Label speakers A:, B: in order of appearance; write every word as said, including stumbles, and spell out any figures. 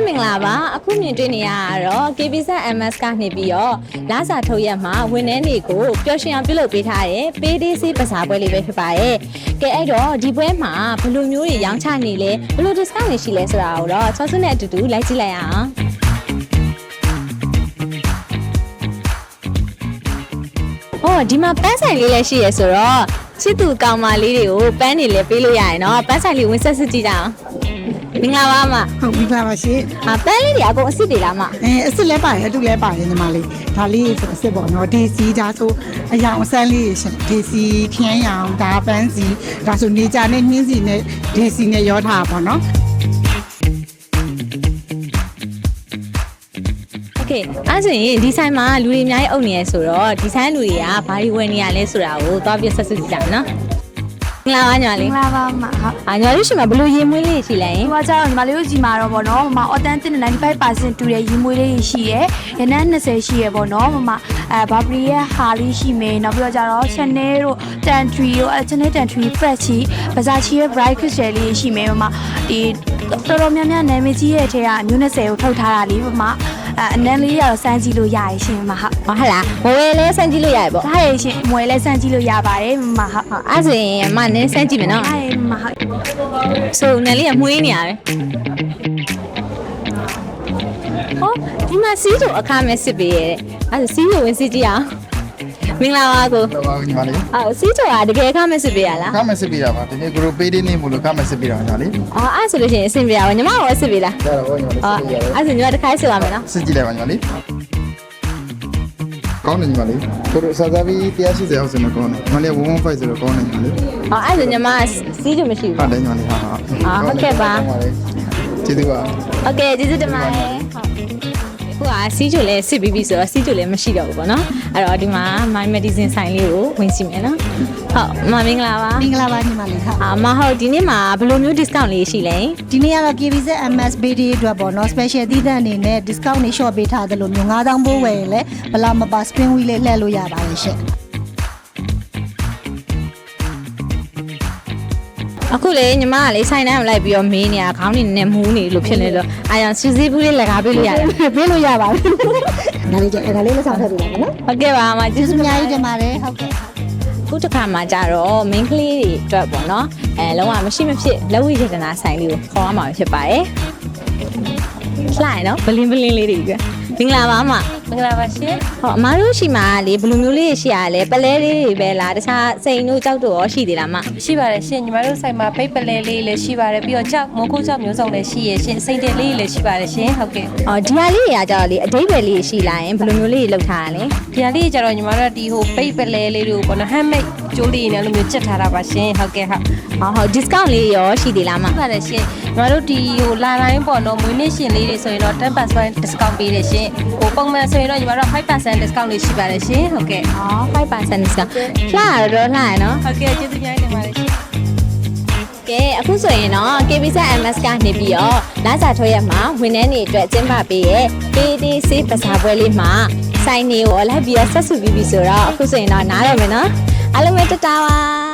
A: မင်္ဂလာပါအခုမြင်တွေ့နေရတော့ K B Z M S ကနေပြီးတော့လာစာထုတ်ရက်မှာဝန်ထမ်းတွေကိုပျော်ရွှင်အောင်ပြုလုပ်ပေးထားတဲ့ P D C ပစာပွဲလေးပဲဖြစ်ပါရဲ့ကဲအဲ့တော့ဒီပွဲမှာဘယ်လိုမျိုးတွေရောင်းချနေလဲဘယ်လို discount တွေရှိလဲဆိုတာကိုတော့ချောစုနဲ့အတူတူလိုက်ကြည့်လိုက်အောင်ဟောဒီမှာပန်းဆိုင်လေးလည်းရှိရဆိုတော့ချစ်သူကောင်မလေးတွေကိုပန်းနေလည်းပေးလို့ရရင်တော့ပန်းဆိုင်လေးဝင်ဆက်စစ်ကြည့်ကြအောင်မင်္ဂလာပါမ
B: ဟုတ်မင်္ဂလာပါရှင်
A: အပန်းလေးတွေအကုန်အစ်စ်တွေလားမ
B: အဲအစ်စ်လဲပါတယ်အတူလဲပါတယ်ညီမလေးဒါလေးဆိုအစ်စ်ပေါ့နော်ဒေစီဒါဆိုအယောင်အစမ်းလေးရှင်ဒေစီဖြန်းရောင်ဒါပန်းစီဒါဆိုနေကြနဲ့နှင်းစီနဲ့ဒေစီနဲ့ရောထားပါနော်
A: โอเคအဲ့ဆိုရင်ဒီဆိုင်မှာလူတွေအများကြီးအုပ်နေရဆိုတော့ဒီဆိုင်လူတွေကဘာတွေဝယ်နေရလဲဆိုတာကိုသွားပြဆက်စစ်ကြည့်ကြမယ်နော်မင်္ဂလာပါညီမလေး
C: မင်္ဂလာပါမဟုတ်
A: အာညီမလေးရှိမှာဘယ်လိုရေမွေးလေးရှိလဲ
C: ဒီမှာကျတော့ညီမလေးတို့ကြီးမှာတော့ဗောနော်မမ authentic ninety-five percent တူတဲ့ရေမွေးလေးရှိရယ်ရနန်းtwentyရှိရယ်ဗောနော်မမအဲဘာဘရီရဲ့ဟာလေးရှိမယ်နောက်ပြီးတော့ကျတော့ Chanel တို့ Tantry တို့အဲ Chanel Tantry Fresh ချီ Versace ရဲ့ Bright Crystal လေးရှိမယ်မမဒီတော်တော်များများနာမည်ကြီးရဲ့အထက်ကအမျိုးtwentyကိုထုတ်ထားတာလေးမမအဲအနန်းလေးရတော့စမ်းကြည့်လို့ရရရှင်မဟုတ်
A: ဟုတ်လားမဝယ်လဲစမ်းကြည့်လို့ရရပေါ့
C: ဒါရရှင်မဝယ်လဲစမ်းကြည့်လို့ရပါတယ်မဟုတ်
A: အဲ့ဆိုရင်မနည်းစမ်းကြည့်မယ်နော်
C: ဒါရမဟုတ်
A: ဆိုနယ်လေးကမွေးနေရတယ်ဟောဒီမှာစီးချိုအခမဲ့စစ်ပေးရဲ့အဲ့ဒါစီးချိုဝင်စစ်ကြည့်အောင်မင်္ဂလာပါကို
D: ဟုတ်ပါညီမလေး
A: အော်စီးချိုကတကယ်အခမဲ့စစ်ပေးရလား
D: အခမဲ့စစ်ပေးတာပါဒီနေ့ကိုရိုပေးနေနေမို့လို့အခမဲ့စစ်ပေးတာညီမလေး
A: အော်အဲ့ဆိုလို့ရှိရင်အဆင်ပြေပါညီမရောစစ်ပေးလား
D: ဒါတော့ညီမလေးစစ်ပေးရတယ်
A: အဲ့ဆိုညီမတစ်ခါစစ်ပါမယ်နော်
D: စစ်ကြည့်လိုက်ပါညီမလေးကောင်းတယ်ညီမလေးကိုရိုစာသားပြီးone eightyအောက်စင်မကောင်းတယ်ညီမလေးone fifteenဆိုတော့ကောင်းတယ်ညီမလေး
A: အော်အဲ့ဆိုညီမစီးချိုမရှိဘူး
D: ဟုတ်တယ်ညီမလေးဟာဟာ
A: အော်ဟုတ်ကဲ့ပါ
D: ကျေးဇူးပါ
A: โอเคကျေးဇူးတင်ပါတယ်ဟုတ်ခုကစီးချိုလဲစစ်ပြီးပြီဆိုတော့စီးချိုလဲမရှိတော့ဘူးပေါ့နော်အဲ့တော့ဒီမှာ My Medicine ဆိုင်လေးကိုဝင်စီမယ်နော်ဟုတ်မမင်္ဂလာပါ
B: မင်္ဂလာပါညီမလေးဟုတ်
A: အာမဟုတ်ဒီနေ့မှာဘယ်လိုမျိုး discount လေးရှိလဲ
B: ဒီနေ့ကတော့ K B Z M S B D အတွက်ပေါ့နော် special သီးသန့်အနေနဲ့ discount တွေ short ပေးထားတယ်လို့မျိုးfive thousandပိုးဝယ်ရင်လည်းဘလာမပါ spring wheel လေးလှည့်လို့ရပါတယ်ရှင့်
A: အခုလေညီမကလေဆိုင်တန်းကိုလိုက်ပြီးတော့မေးနေတာခေါင်းနေနဲ့မူးနေလို့ဖြစ်နေလို့အာရစီစီဘူးလေးလက်ကားပေးလို့ရတယ်
B: ပေးလို့ရပါဘူးဒါလေးကျဒါလေးလက်ဆောင်ထည့်ပေးပါမယ်နော်
A: ဟုတ်ကဲ့ပါအမကျေးဇူး
B: အများကြီးတင်ပါတယ်ဟုတ်ကဲ့
A: ခုတစ်ခါမှကြတော့ main ကလေးတွေအတွက်ပေါ့နော်အဲလုံးဝမရှိမဖြစ်လက်ဝိရတနာဆိုင်လေးကိုခေါ်ရမှာဖြစ်ပါတယ်လှိုင်နော်ဘလင်းဘလင်းလေးတွေကမင်္ဂလာပါအမ
C: မင်္ဂလာပါရှင်
A: ဟောအမတို့ရှိမှာလေဘယ်လိုမျိုးလေးရှိရလဲပလဲလေးတွေပဲလားတခြားစိန်တို့ကြောက်တို့ရောရှိသေးလားမ
C: ရှိပါတယ်ရှင်ညီမတို့ဆိုင်မှာပိတ်ပလဲလေးလည်းရှိပါတယ်ပြီးတော့ကြောက်မိုးခိုးကြောက်မျိုးစုံလည်းရှိရရှင်စိန်တယ်လေးလည်းရှိပါတယ်ရှင်ဟုတ်ကဲ့
A: အော်ဒီဟာလေးတွေကကြတော့လေအတိတ်ပဲလေးရှိလာရင်ဘယ်လိုမျိုးလေးလောက်ထားရလဲ
C: ဒီဟာလေးကြတော့ညီမတို့ဒီဟိုပိတ်ပလဲလေးတွေကိုပေါ့နော် handmade ကျိုးလေးနဲ့လိုမျိုးချက်ထားတာပါရှင်ဟုတ်ကဲ့ဟုတ်
A: ဟောဟုတ် discount လေးရောရှိသေးလားမ
C: ဟုတ်ပါတယ်ရှင်ညီမတို့ဒီဟိုလာတိုင်းပေါ့နော်မွေးနေ့ရှင်လေးတွေဆိုရင်တော့ten percent discount ပေးတယ်ရှင်ဟိုပုံမှန်ဆိုရင်တော့ညီမတို့five percent discount လေးရှိပါတယ်ရှင်ဟုတ်ကဲ့
A: အော်five percent discount လှရတော့လှရနော်
C: ဟုတ်ကဲ့ကျေးဇူးများတင်ပါတယ်ရှင်
A: ကဲအခုဆိုရင်တော့ K B Z M S ကနေပြီးတော့လာစာထွက်ရမှာဝန်ထမ်းတွေအတွက်ကျင်းပပေးရဲ့ P D C ပစာပွဲလေးမှာဆိုင်နေကိုလိုက်ပြီးဆက်စုပြီးပြီဆိုတော့အခုဆိုရင်တော့နားရမယ်နော်အားလုံးပဲတတားပါ